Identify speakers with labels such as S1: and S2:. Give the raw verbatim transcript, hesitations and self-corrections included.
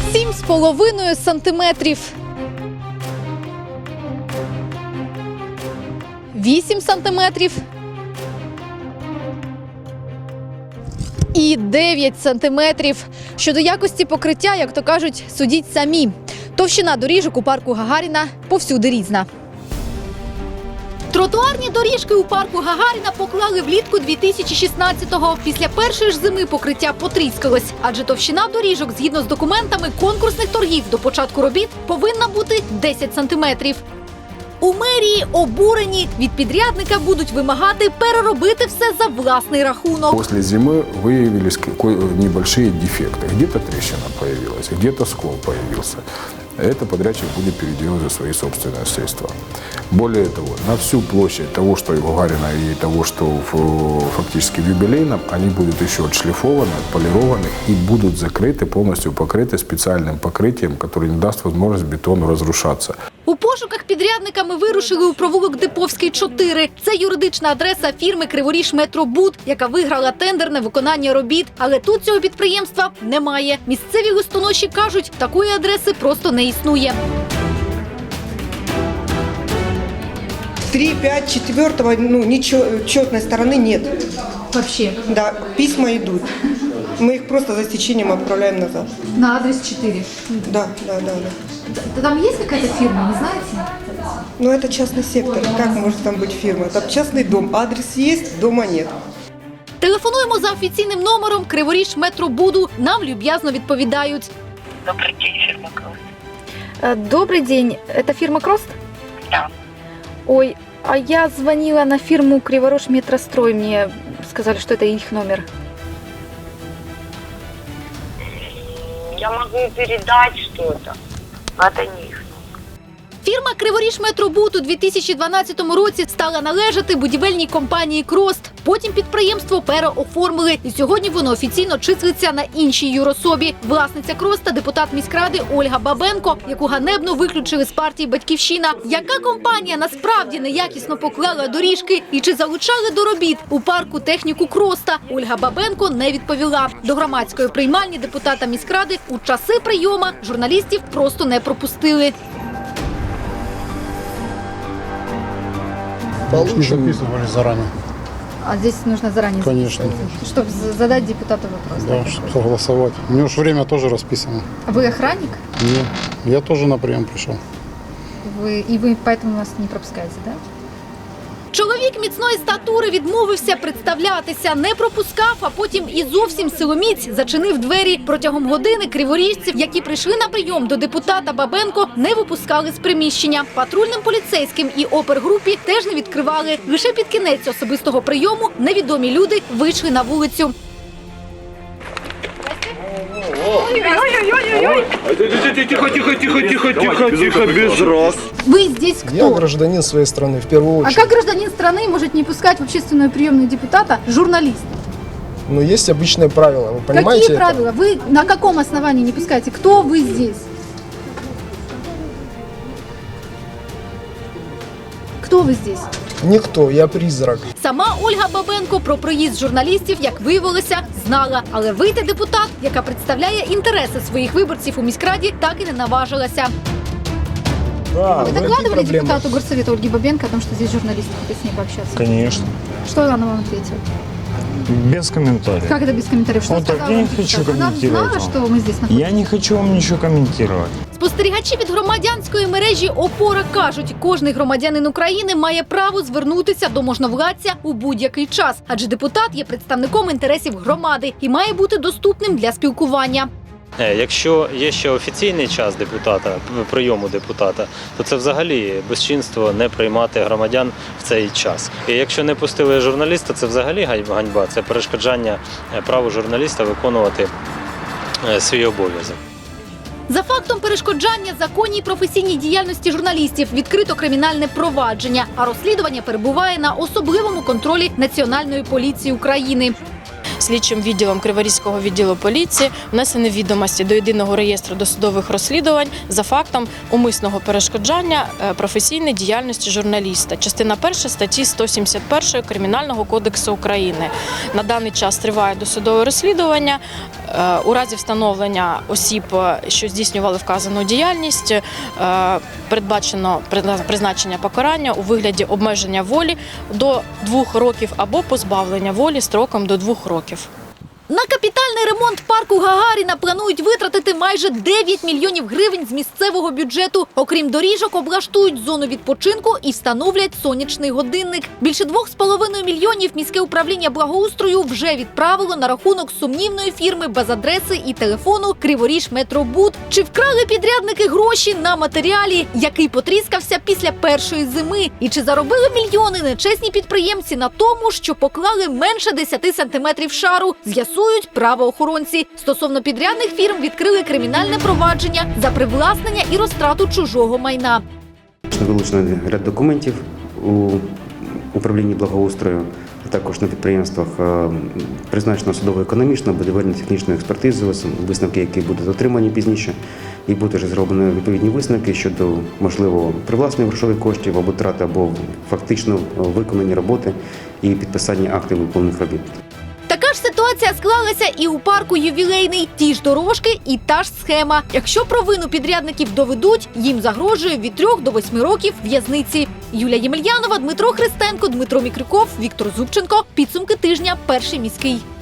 S1: Сім з половиною сантиметрів. Вісім сантиметрів. І дев'ять сантиметрів. Щодо якості покриття, як то кажуть, судіть самі. Товщина доріжок у парку Гагаріна повсюди різна. Тротуарні доріжки у парку Гагаріна поклали влітку дві тисячі шістнадцятого. Після першої ж зими покриття потріскалось, адже товщина доріжок, згідно з документами конкурсних торгів до початку робіт, повинна бути десять сантиметрів. У мерії обурені, від підрядника будуть вимагати переробити все за власний рахунок.
S2: Після зими виявились небольшие дефекты. Где-то трещина появилась, где-то скол появился. Это подрядчик будет переделать за свои собственные средства. Более того, на всю площадь того, что и в Гагарина, и того, что в, фактически в юбилейном, они будут еще отшлифованы, отполированы и будут закрыты, полностью покрыты специальным покрытием, которое не даст возможность бетону разрушаться.
S1: У пошуках підрядника ми вирушили у провулок Диповський, чотири. Це юридична адреса фірми «Криворіжметробуд», яка виграла тендер на виконання робіт. Але тут цього підприємства немає. Місцеві листоноші кажуть, такої адреси просто не існує.
S3: три, пять, четвертого, ну, ничего, четной стороны нет.
S1: Вообще?
S3: Да, письма идут. Мы их просто за стечением отправляем назад.
S1: На адрес чотири?
S3: Да, да, да, да.
S1: Там є якась фірма, не знаєте?
S3: Но это частный сектор. Как может там быть фирма? Там частный дом. Адрес есть, дома нет.
S1: Телефонуємо за офіційним номером «Криворіжметробуду». Нам люб'язно відповідають.
S4: Добрый день, фирма Крост.
S1: Добрый день. Это фирма «Крост»?
S4: Да.
S1: Ой, а я звонила на фирму «Криворожметрострой». Мне сказали, что это их номер.
S4: Я могу передать что-то. Это не их.
S1: Фірма «Криворіжметробуд» у дві тисячі дванадцятому році стала належати будівельній компанії «Крост». Потім підприємство переоформили, і сьогодні воно офіційно числиться на іншій юрособі. Власниця «Кроста» – депутат міськради Ольга Бабенко, яку ганебно виключили з партії «Батьківщина». Яка компанія насправді неякісно поклала доріжки і чи залучали до робіт у парку техніку «Кроста», Ольга Бабенко не відповіла. До громадської приймальні депутата міськради у часи прийома журналістів просто не пропустили.
S5: Получим. Записывали заранее.
S1: А здесь нужно заранее
S5: Конечно.
S1: чтобы задать депутату вопрос.
S5: Да, чтобы согласовать. У него же время тоже расписано.
S1: А вы охранник?
S5: Нет, я тоже на прием пришел.
S1: Ви, і ви поэтому нас не пропускаєте, так? Да? Чоловік міцної статури відмовився представлятися, не пропускав, а потім і зовсім силоміць зачинив двері. Протягом години криворіжців, які прийшли на прийом до депутата Бабенко, не випускали з приміщення. Патрульним поліцейським і опергрупі теж не відкривали. Лише під кінець особистого прийому невідомі люди вийшли на вулицю.
S6: Тихо, тихо, тихо, тихо, тихо, тихо, без раз.
S1: Вы здесь кто?
S7: Я гражданин своей страны, в первую очередь.
S1: А как гражданин страны может не пускать в общественную приемную депутата журналист?
S7: Но есть обычные правила, вы понимаете?
S1: Какие
S7: это?
S1: правила? Вы на каком основании не пускаете? Кто вы здесь? Кто вы здесь?
S7: Никто, я призрак.
S1: Сама Ольга Бабенко про проїзд журналістів, як виявилося, знала. Але вийти депутат, яка представляє інтереси своїх виборців у міськраді, так і не наважилася.
S7: Да,
S1: Вы
S7: ну,
S1: докладывали
S7: какие проблемы?
S1: депутату горсовета Ольге Бабенко о том, что здесь журналисты, хотят с ней пообщаться?
S8: Конечно.
S1: Что она вам ответила?
S8: Без комментариев.
S1: Как это без комментариев? Что
S8: Вот так,
S1: сказала
S8: я не
S1: вам
S8: хочу
S1: депутат? Она
S8: комментировать
S1: знала,
S8: вам.
S1: что мы здесь находимся?
S8: Я не хочу вам ничего комментировать.
S1: Спостерігачі від громадянської мережі «Опора» кажуть, кожний громадянин України має право звернутися до можновладця у будь-який час, адже депутат є представником інтересів громади і має бути доступним для спілкування.
S9: Якщо є ще офіційний час депутата, прийому депутата, то це взагалі безчинство не приймати громадян в цей час. І якщо не пустили журналіста, це взагалі ганьба, це перешкоджання праву журналіста виконувати свій обов'язок.
S1: За фактом перешкоджання законній професійній діяльності журналістів відкрито кримінальне провадження, а розслідування перебуває на особливому контролі Національної поліції України.
S10: Слідчим відділом Криворізького відділу поліції внесені відомості до єдиного реєстру досудових розслідувань за фактом умисного перешкоджання професійної діяльності журналіста. Частина перша статті сто сімдесят один Кримінального кодексу України. На даний час триває досудове розслідування. Е, У разі встановлення осіб, е, що здійснювали вказану діяльність, е, передбачено призна- призначення покарання у вигляді обмеження волі до двох років або позбавлення волі строком до двох років.
S1: На капітальний ремонт парку Гагаріна планують витратити майже дев'ять мільйонів гривень з місцевого бюджету. Окрім доріжок, облаштують зону відпочинку і встановлять сонячний годинник. Більше двох з половиною мільйонів міське управління благоустрою вже відправило на рахунок сумнівної фірми без адреси і телефону «Криворіжметробуд». Чи вкрали підрядники гроші на матеріалі, який потріскався після першої зими? І чи заробили мільйони нечесні підприємці на тому, що поклали менше десяти сантиметрів шару? З'ясують правоохоронці. Стосовно підрядних фірм відкрили кримінальне провадження за привласнення і розтрату чужого майна.
S11: Вилучено ряд документів у управлінні благоустрою, а також на підприємствах е, призначено судово-економічну, будівельно-технічну експертизу, висновки, які будуть отримані пізніше, і будуть вже зроблені відповідні висновки щодо можливого привласнення грошових коштів або трати, або фактично виконані роботи і підписання актів виконаних робіт.
S1: Така ж ситуація склалася і у парку «Ювілейний». Ті ж дорожки і та ж схема. Якщо провину підрядників доведуть, їм загрожує від трьох до восьми років в'язниці. Юлія Ємельянова, Дмитро Христенко, Дмитро Мікрюков, Віктор Зубченко. Підсумки тижня. Перший міський.